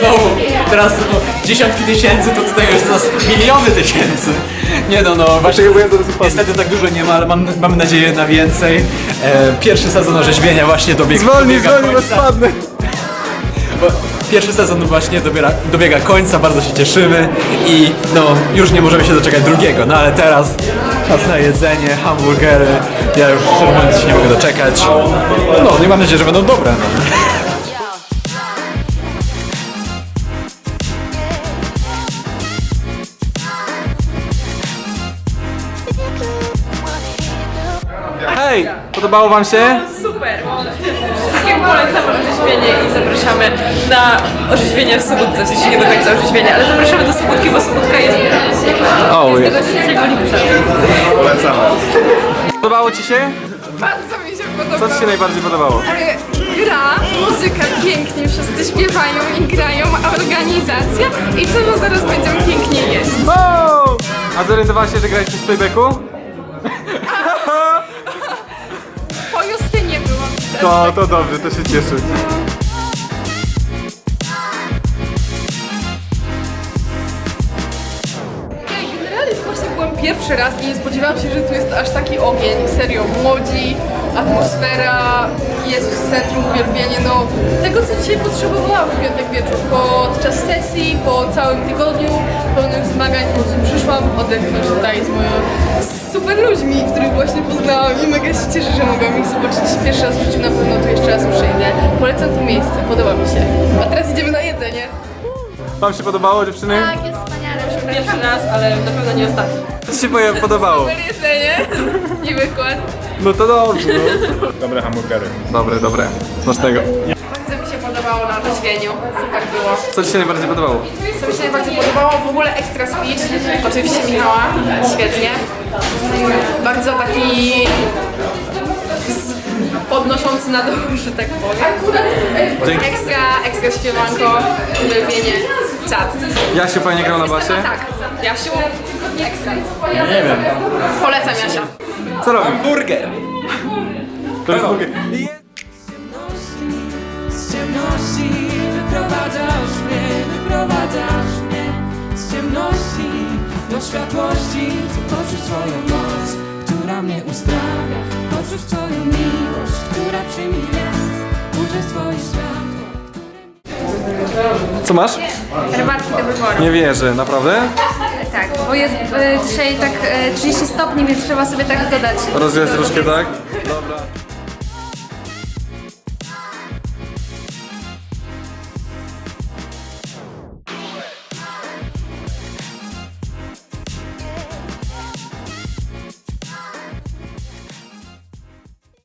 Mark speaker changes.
Speaker 1: znowu, teraz dziesiątki tysięcy, to tutaj już teraz miliony tysięcy. Nie no, właśnie niestety tak dużo nie ma, ale mamy nadzieję na więcej. Pierwszy sezon orzeźwienia właśnie dobiega
Speaker 2: bo
Speaker 1: końca.
Speaker 2: spadnę.
Speaker 1: Bo pierwszy sezon właśnie dobiega końca, bardzo się cieszymy i no już nie możemy się doczekać drugiego, no ale teraz czas na jedzenie, hamburgery, ja już szczerze mówiąc się nie mogę doczekać. No i mam nadzieję, że będą dobre. No.
Speaker 2: Hej, podobało wam się?
Speaker 3: Super! Wszystkim polecamy orzeźwienie i zapraszamy na orzeźwienie w Sobótce, w sensie nie do końca orzeźwienie, ale zapraszamy do Sobótki, bo Sobótka jest tego 3 lipca.
Speaker 2: Polecamy. Podobało ci się?
Speaker 4: Bardzo mi się
Speaker 2: Co
Speaker 4: podoba.
Speaker 2: ci się najbardziej podobało?
Speaker 4: Gra, muzyka pięknie, wszyscy śpiewają i grają, a organizacja i to, że zaraz będziemy pięknie jeść.
Speaker 2: Wow! A zorientowałaś się, że graliście z playbacku?
Speaker 4: Po Justynie byłam.
Speaker 2: To dobrze, to się cieszę.
Speaker 4: Generalnie właśnie byłam pierwszy raz i nie spodziewałam się, że tu jest aż taki ogień. Serio, młodzi, atmosfera, Jezus, centrum, uwielbienie, no tego, co dzisiaj potrzebowałam w piątek wieczór. Podczas sesji, po całym tygodniu pełnym zmagań, po prostu przyszłam odetchnąć tutaj z moimi super ludźmi, których właśnie poznałam i mega się cieszę, że mogłam ich zobaczyć pierwszy raz w życiu, na pewno tu jeszcze raz przyjdę. Polecam to miejsce, podoba mi się. A teraz idziemy na jedzenie.
Speaker 2: Wam się podobało, dziewczyny?
Speaker 4: Tak, jest wspaniale.
Speaker 3: Pierwszy raz, ale na pewno nie ostatni.
Speaker 2: Co ci się podobało?
Speaker 4: Super jedzenie i wykład.
Speaker 2: No to dobrze, no. Dobre hamburgery. Dobre. Smacznego.
Speaker 4: Bardzo mi się podobało na orzeźwieniu, super było.
Speaker 2: Co ci się najbardziej podobało?
Speaker 4: Co mi się najbardziej podobało, w ogóle ekstra speech, oczywiście Michała, świetnie. Bardzo taki podnoszący na dół, że tak powiem. Ekstra śpiewanko, uwielbienie, czat.
Speaker 2: Jasiu fajnie grał na basie?
Speaker 4: Tak, Jasiu, ekstra.
Speaker 1: Nie wiem.
Speaker 4: Polecam Jasia.
Speaker 2: Co robi?
Speaker 1: Burger!
Speaker 2: To jest burger.
Speaker 5: Z ciemności wyprowadzasz mnie z ciemności do światłości. Chcę poczuć twoją moc, która mnie uzdrawia. Poczuć twoją miłość, która przemija. Użyć twoje światło.
Speaker 2: Co masz?
Speaker 4: Herbatki do wyboru.
Speaker 2: Nie wierzę, naprawdę?
Speaker 4: Tak, bo jest dzisiaj tak 30 stopni, więc trzeba sobie tak dodać.
Speaker 2: Rozgrzać troszkę, tak? Dobra.